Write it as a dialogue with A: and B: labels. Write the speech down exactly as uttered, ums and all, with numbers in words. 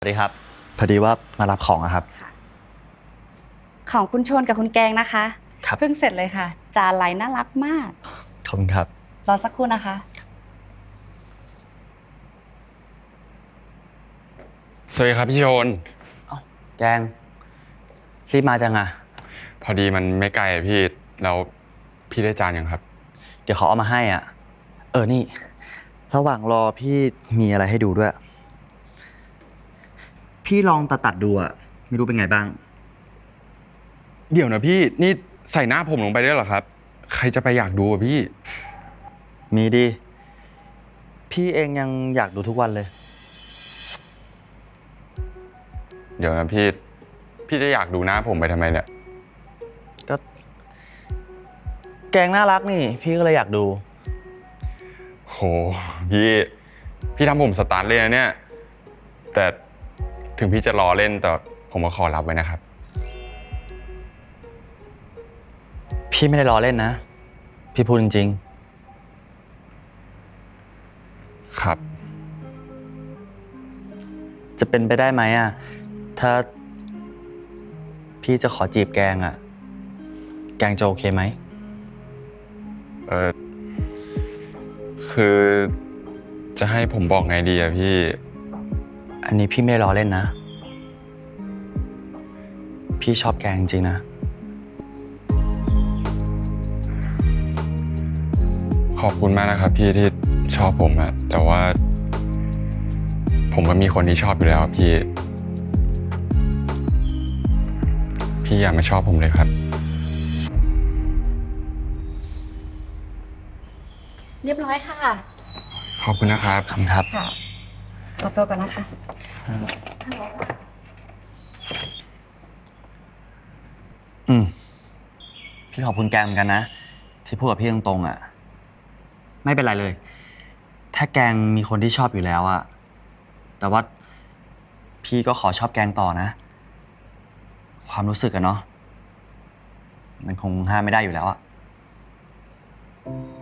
A: สวัสดีครับพอดีว่ามารับของอะครับ
B: ของคุณชนกับคุณแกงนะคะ
A: ครับ
B: เพิ่งเสร็จเลยค่ะจานลายน่ารักมาก
A: ขอบคุณครับ
B: รอสักครู่นะคะ
C: สวัสดีครับพี่โชน
A: อ้าวแกงรีบมาจังอะ
C: พอดีมันไม่ไกลอะพี่แล้วพี่ได้จานยังครับ
A: เดี๋ยวเขาเอามาให้อ่ะเออนี่ระหว่างรอพี่มีอะไรให้ดูด้วย พี่ลองตัดตัดดูอ่ะไม่รู้เป็นไงบ้าง
C: เดี๋ยวนะพี่นี่ใส่หน้าผมลงไปด้วยเหรอครับ ใครจะไปอยากดูอะพี่
A: มีดิพี่เองยังอยากดูทุกวันเลย
C: เดี๋ยวนะพี่พี่จะอยากดูหน้าผมไปทำไมเนี่ย
A: ก็แกงน่ารักนี่พี่ก็เลยอยากดู
C: โหพี่พี่ทำผมสตาร์ทเลยนะเนี่ยแต่ถึงพี่จะรอเล่นแต่ผมก็ขอรับไว้นะครับ
A: พี่ไม่ได้ล้อเล่นนะ พี่พูดจริงๆ
C: ครับ
A: จะเป็นไปได้ไหมอ่ะ ถ้าพี่จะขอจีบแกงอ่ะ แกงจะโอเคไหม
C: เออคือจะให้ผมบอกไงดีอะพี่
A: อันนี้พี่ไม่ได้ล้อเล่นนะ พี่ชอบแกงจริงๆนะ
C: ขอบคุณมากนะครับพี่ที่ชอบผมอะแต่ว่า ผมก็มีคนที่ชอบอยู่แล้วพี่ พี่อย่ามาชอบผมเลยครับ
B: เรียบร้อยค่ะ
C: ขอบคุณนะครับ
A: ขอบคุณครับ
B: ค่ะขอตัวก่อนนะคะ
A: อืม พี่ขอบคุณแกงเหมือนกันนะ ที่พูดกับพี่ตรงๆอ่ะ ไม่เป็นไรเลย ถ้าแกงมีคนที่ชอบอยู่แล้วอ่ะ แต่ว่าพี่ก็ขอชอบแกงต่อนะ ความรู้สึกอะเนาะ มันคงห้ามไม่ได้อยู่แล้วอะ